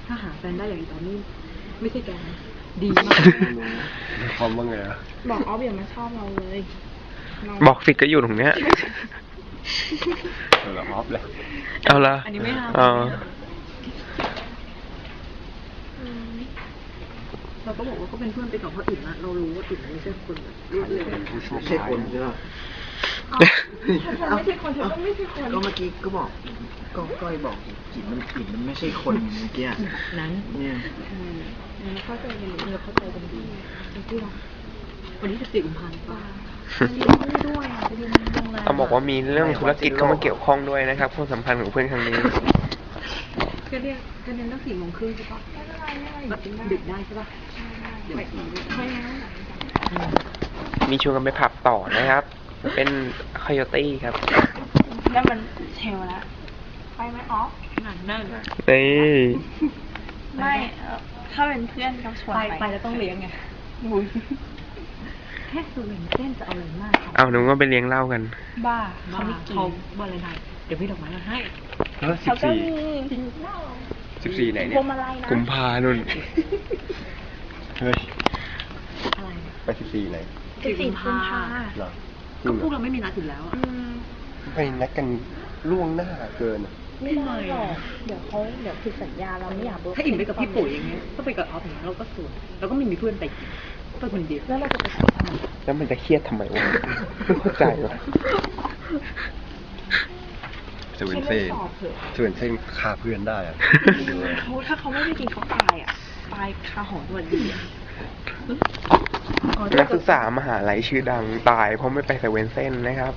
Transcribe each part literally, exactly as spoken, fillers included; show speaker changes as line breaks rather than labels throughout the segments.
ถ้าหาแฟนได้อย่างตอนนี้ไม่ใช่แกดีมาก
ความว่าไงอะ
บอกออฟอย่ามาชอบเราเลย
บอกสิก็อยู่ตรงเนี้ย
เออออฟเลย
เอาละ
อันนี้ไม่ห้ามเราก็บอกว่าก็เป็นเพื่อนไปกับคนอื่นนะเรารู้ว่าอื่นไม่ใช่คนแบบ
ไม่ใช่คนใช่ไหม
ไม่ใช่คนเธอก็ไม่ใช่คน
ก็เมื่อกี้ก็บอกก็ก้อยบอกกินมันกินมันไม่ใช่คนเมื่อกี้
นั้น
เนี่ย
เราเข้าใจกันเราเข้าใจกันดี
ที่เราวันนี้จะสี่กุมภาพันธ์ป่ะ
ด้วย
เขาบอกว่ามีเรื่องธุรกิจเข้ามาเกี่ยวข้องด้วยนะครับความสัมพันธ์ของเพื่อนครั้งนี้
ก็เรียกก็เรียนตั้งสี่โมงครึ่งใช่ปะดึกได้ใช่ปะ
มีชวนกันไปผับต่อนะครับเป็นคอยตี้ครับ
แล้วมันเชลแล้วไปไหมออฟ
นั่นนั่น
นี่
ไม่ถ้าเป็นเพื่อนก็ชวนไป
ไปแล้วต้องเลี้ยงไงแค่สูงเส้นจะเอาอะไรมาก
เอาหนูก็ไปเลี้ยงเหล้ากัน
บ้า
เขาไม่กินบ้าอะไรไหนเดี๋ยวพี่ดอกไม้มาให้
เขาก็มี
สิบสี่ไหนเนี่ย
กุมภานุ่น
เฮ้ย
อะไร
ไปสิบสี่ไหน
สิบสี่กุมภา
หรอ
ก็พวกเราไม่มีนัดอยู่แล้วอ่ะ
ไปนัดกันล่วงหน้าเกิน
ไม่ไม่หรอกเดี๋ยวเขาเดี๋ยวผิดสัญญาเราไม่อยาก
ถ้าอิ่มไปกับพี่ปุ๋ยอย่างเงี้ยก็ไปกับออฟอย่างเงี้ยเราก็สวยเราก็ไม่มีเพื่อนไปไปคนเดียว
แล้วเราจะไปทำไม
แล้วมันจะเครียดทำไมวะไม่เข้าใจวะ
เซเว่นเซ่เซเว่นเซ่ฆ่าเพื่อนได้อะ
เขาถ้าเขาไม่ได้กินเขาตายอ่ะตายคาหอตัวดีอ่ะ
นักศึกษามหาลัยชื่อดังตายเพราะไม่ไปเซเว่นเซ่นะครับ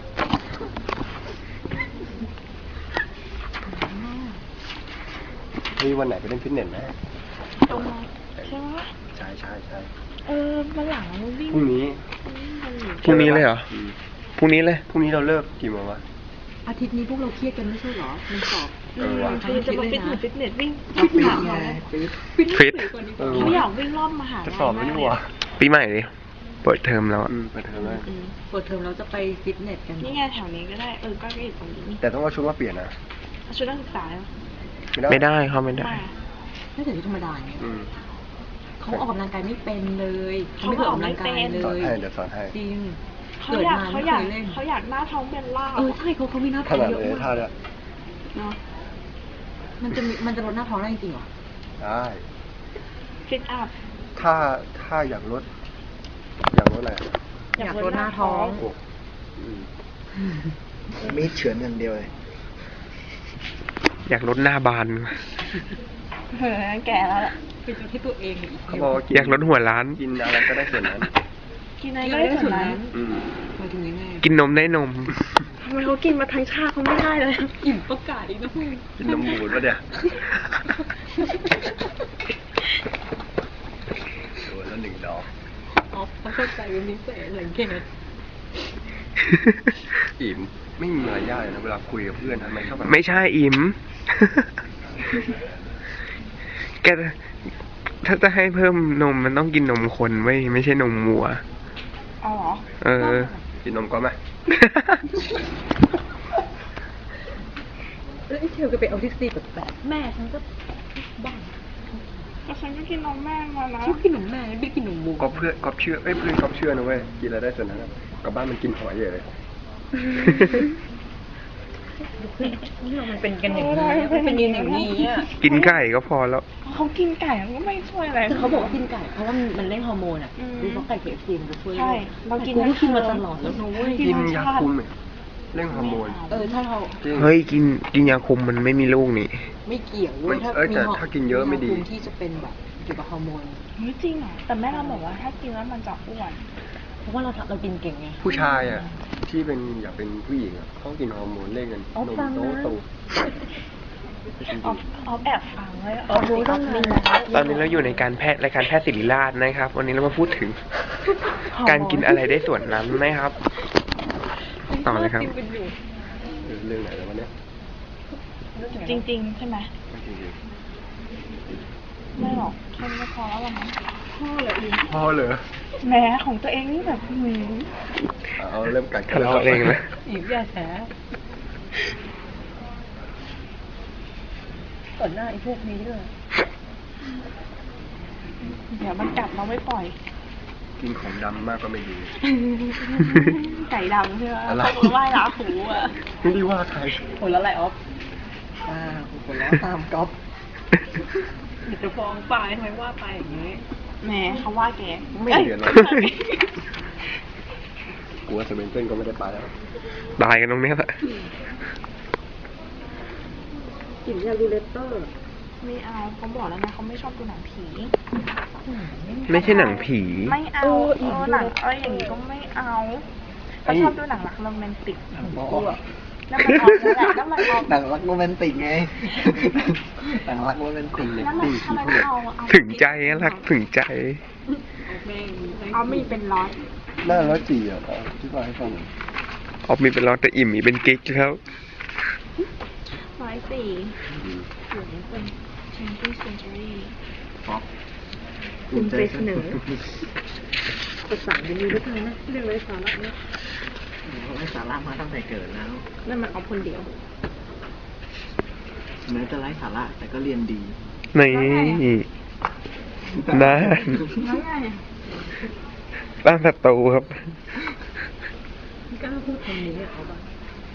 มีวันไหนไปเล่นฟิตเนสไหม
ตรงไหนใช่ไหม
ใช่ใช่ใช่
เออมาหลังวิ่ง
พรุ่งนี้
พรุ่งนี้เลยเหรอพรุ่งนี้เลย
พรุ่งนี้เราเลิกกี่โมงวะ
อาทิตย์นี้พวกเราเครียดกันไม่ใช่เหรอมันสอบ
เออว่ะ
คือจะมาฟิตเนสฟิตเนสวิ่ง
ฟิตหนักไง
ฟิต
เขาอยากวิ่งรอบมหาลัย
จะสอบไม่รู้วะ
ปีใหม่ดิเปิดเทอมแล้ว
เปิดเทอมแล้ว
เปิดเทอมเราจะไปฟิตเนสกัน
นี่ไงแถวนี้ก็ได้เออก็ได้ตรงนี้
แต่ต้องเอาชุดมาเปลี่ยนนะ
ชุดนักศึกษา
ไม่ได้เขาไม่ได้
ไม่แต่ที่ธรรมดาไงเขาออกกำลังกายไม่เป็นเลยเขาไม่เคยออกกำลังกายเลย
สอนให้เดี๋ยวสอนให้
จริง
เขาอยากเขาอยากเขาอยากหน้าท้องเป็นล่า
เออใช่เขาเขามีหน้าท้องเยอะมาก
ท่าเนี่ย
เนาะมันจะมีมันจะลดหน้าท้องได้จริงเหรอ
ได้
ฟิตอัพ
ถ้าถ้าอยากลดอยากลดอะไร
อยากลดหน้าท้อง
มีเฉือนอย่างเดียวเลย
อยากลดหน้าบาน
เออแก่แล้วแหละ
ไปจนที่ตัวเอง
เขาบอก
อยากลดหัวล้าน
กินอะไรก็ได้ส่วนนั้น
กินอะไรก็ได้ส่วนนั้น
กินนมได้นม
ทำไมเขากินมาทั้งชาเขาไม่ได้เลย
อิ่มประกาศอีกนะพี่
กินนมบูดวะเนี่ยโดนแล้วหนึ่งดอก
อ๋อเขาเข้าใจเป็นพิเศษหลังเกต
อิ่มไม่มีอะไรยากเลยนะเวลาคุยกับเพื่อนทำไมชอบ
ไม่ใช่อิ่มแกถ้าจะให้เพิ่มนมมันต้องกินนมคนไว้ไม่ใช่นมวัว
อ๋อ
เออ
กินนมก่อนไหม
แล้วไอ้เชลก็ไปเอาทิกซี่แบบแบบแม่ฉันก็บ้า
แต่ฉันก็กินนมแม่มาแล้ว
ฉันกินนมแม่ไม่กินนมวัว
ก็เพื่อนก็เชื่อเอ้ยเพื่อนก็เชื่อนะเว้ยกินอะไรได้ส่วนนั้นกับบ้านมันกินหอยเยอะเลย
นี่เรามันเป็นกันอย่างนี้มันเป็นอย่างนี้อ่ะ
กินไก่ก็พอแล้ว
เขากินไก่มันก็ไม่ช่วยอะไร
แต่เขาบอกว่ากินไก่เพราะว่ามันเร่งฮอร์โมนอ่ะดูเพราะไก่เคเอฟซีมันจะช่วย
ใช่เรากิน
ก็กินมาตลอดแล้วนุ้ย
กินยาคุมเร่งฮอร์โมน
เออถ้าเรา
เฮ้ยกินกินยาคุมมันไม่มีลูกนี่
ไม่เกี่ยวเว้ยถ้า
มีถ้ากินเยอะไม่ดี
ที่จะเป็นแบบเกี่ยวกับฮอร์โมน
ไม่จริงเหรอแต่แม่เราบอกว่าถ้ากินแล้วมันจะอ้วน
เพราะว่าเราเรากินเก่งไง
ผู้ชายอ่ะที่เป็นอยากเป็นผู้หญิงอ่ะเขากินฮอร์โมนเล่นกันนมโตโต
ออฟแอบฟังไว้ออฟ
รู้ต้องมีตอนนี้เราอยู่ในการแพทย์รายการแพทย์ศิริราชนะครับวันนี้เรามาพูดถึงการกินอะไรได้ส่วนนั้นนะครับต่อเลยครับ
เรื่องไหนแล้ววันนี้
จริงๆใช่ไหมไม่หรอกแค่นี้พอแล้วมั้งพ่อเลย
พ่อเลย
แม่ของตัวเองนี่แบบหืม
เอาเริ่มกัด
ทะเลาะเองนะ
อีกอย่าแฉต่อหน้าไอ้พวกนี้ด้วย
เดี๋ยวมันกัดเราไม่ปล่อย
กินของดำมากก็ไม่ดี
ไก่ดำใช่ไหม
อะไร
เขาไหว้ลาหูอ่ะ
ไม่ได้ว่าใคร
โอ้แล้วอะไรออฟ
อ่าคนแล้วตามก๊อฟ
เดี๋ยวจะฟ้องปายทำไมว่าปายอย่างนี้
แหมเขาว่าแก
ไม่เดือดร้อนกูว่าเซเว่นเต้นก็ไม่ได้ไปแล้ว
ตายกันตรงเนี้ยแหละ
กลิ่นยาลูเลเตอร์
ไม่เอาเขาบอกแล้วนะเขาไม่ชอบดูหนังผี
ไม่ใช่หนังผี
ไม่เอาเออหนังอะไรอย่างนี้ก็ไม่เอาเขาชอบดูหนังรักโรแมนติก
กูอะ
แล้วมันออกนั่นแหละแล้วมันออก
หนังรักโรแมนติกไง หนังรักโรแมนติกเนี่ย
แล้วมันทำไมไม่เอาเอา
ถึงใจอะรักถึงใจ
เอามีเป็นร้อย
หน้าร้อยจีอ่ะเอาที่ว่าให้ฟังหน่อย
ออกมีเป็นร้อยแต่อิ่มมีเป็นกิ๊กแล้ว
ร้อยสี่หรือเป็นเชนตี้เซนจูรี่
ป๊อป
ภูมิใจเสนอ ภาษาจะมีด้วยกันนะเรื่องไรสาระเนี่ย
เขาให้สาระมาตั้งแต่เกิดแล้ว
นั่นมันเอาคนเดียว
แม้จะไร้สาระแต่ก็เรียนดี
นี่นั่น
แล้วไง
ตั้งศัตรูครับ
กล้าพูดคำนี้เอาบ้าง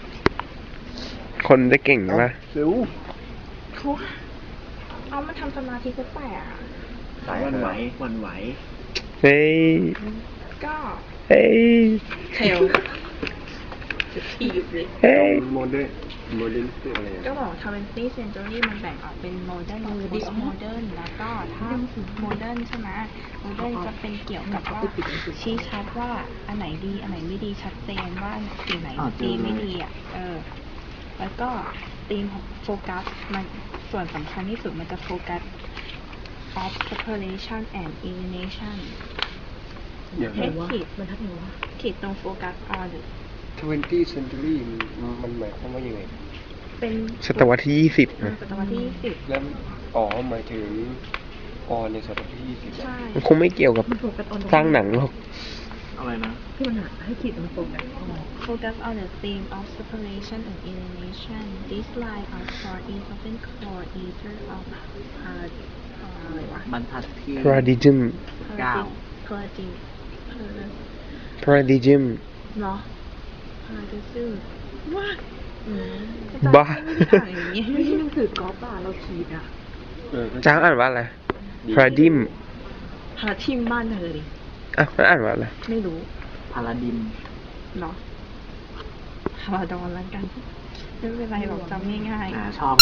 คนจะเก่งปะ
เร็ว
เขาเอามาทำสมาธิก็แปลกอะ
สาย
วันไหววันไหว
เฮ้ย
ก็
เฮ้ย
เทลจะทีบเลย
เฮ้ย
โมเดิร์นโมเดิร์นคืออะไร
ก็
อ่ะ
บอกทเวนตี้เซนจูรี่มันแบ่งออกเป็นโมเดิร์นกับโพสต์โมเดิร์นแล้วก็ถ้าโมเดิร์นใช่ไหมโมเดิร์นจะเป็นเกี่ยวกับว่าชี้ชัดว่าอันไหนดีอันไหนไม่ดีชัดเจนว่าสิ่งไหนดีไม่ดีอ่ะเออแล้วก็ธีมของโฟกัสมันส่วนสำคัญที่สุดมันจะโฟกัส of separation and elimination
เดี๋ยว
ให้
นะ
ขีด
มันทักหนูว่า
ขีดตรงโฟกัส on
ทเวนตี้เซนตูรี่มันหมายความว่ายังไง
เป็น
ศตวรรษที่ยี่สิบนะ
ศตวรรษที่ยี่สิบ
แล้วอ๋อหมายถึงออนในศตวรรษที่ยี่สิบ
ใช่
มันคงไม่เกี่ยวกับ
มันโฟกัสออน
สร้างหนังหรอก
อะไรนะ
ที่มันหาให้ขีดมันโฟกัสออน
focus on the theme of separation and elimination. These lines are for is often called either of uh, อะไรวะ
บรรทัดที่
paradigm
เก้า
paradigm paradigm
paradigm
เนาะ paradigm ว่า
อืม
บ้า
ไม่ได้อย่างนี้
ไม่ใช่หนังสือกอล์ฟอ่ะเราขีดอ่ะ
เออก็
จ้างอ่านว่าอะไร paradigm
พาทิมบ้านเธอดิ
อ่ะมันอ่านว่าอะไร
ไม่รู้
พาราดิม
เนาะพาราดอนแล้วกันไม่เป็นไรหรอกจำง่ายๆ
อ่าชอบ